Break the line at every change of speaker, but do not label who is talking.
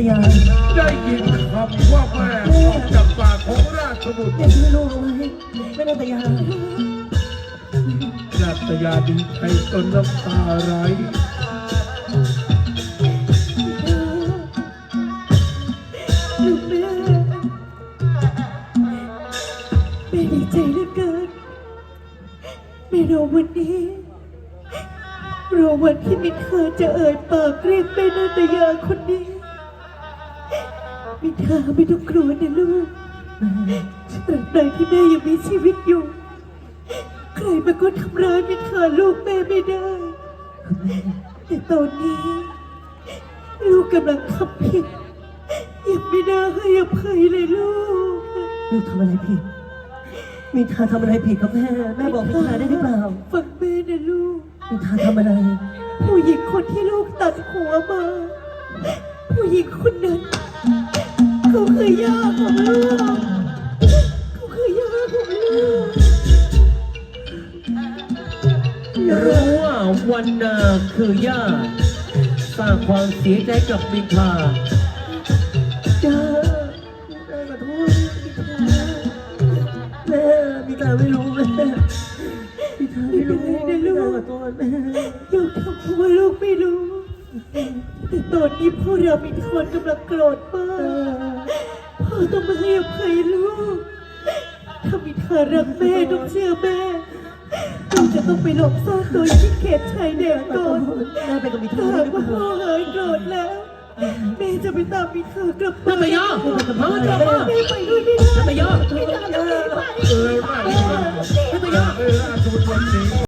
ยา
ได้ยินคำว่าแม่ออกจากปากของราชบุตร
เด็กที่ลูกเอาไว้แม่นาตยา
นาตยาดีใจจนน้ำตาไหล
ลูกแม่ดีใจเหลือเกินไม่รอวันนี้รอวันที่มิเธอจะเอ่ยปากเรียกแม่นาตยาคนนี้มิเธอไม่ต้องกลัวนะลูกตราบใดที่แม่ยังมีชีวิตอยู่ใครมาก็ทำร้ายมิเธอลูกแม่ไม่ได้แต่ตอนนี้ลูกกำลังทำผิดยังไม่ได้ให้อภัยเลยลูก
ทำอะไรผิดมีทาทำอะไรผิดครับแม่บอกมีทาได้หรือเปล่า
ฟังแม่นะลูก
มีทาทำอะไร
ผู้หญิงคนที่ลูกตัดหัวมาผู้หญิงคนนั้นเขาคือย่าของลูกเขาคือย่าของลูก
รู้ว่าวันนาคือย่าสร้างความเสียใจกับมินทา
จ้าขอโทษแม่มีทาไม่รู้แม่มีทาไม่รู้
นะลูก
ขอโทษแม่
ลูกทำเพราะว่าลูกไม่รู้แต่ตอนนี้พ่อเรามีคนกำลังโกรธมากพ่อต้องมาให้อภัยลูกถ้ามีเธอรักแม่ต้องเชื่อแม่เราจะต้องไปหลบซ่อนตัวที่เขตชายแดนก่อน
แม่ไปกับมีทา
หากว่าพ่อหายโกรธแล้วแม่จะไปตามมีเธอกลับ
นาตยามาจบมา
แม่ไปด้วยไม่ได้
นาตยา
ไม่ได้ไม่ได้
ราชบุตรวันนี้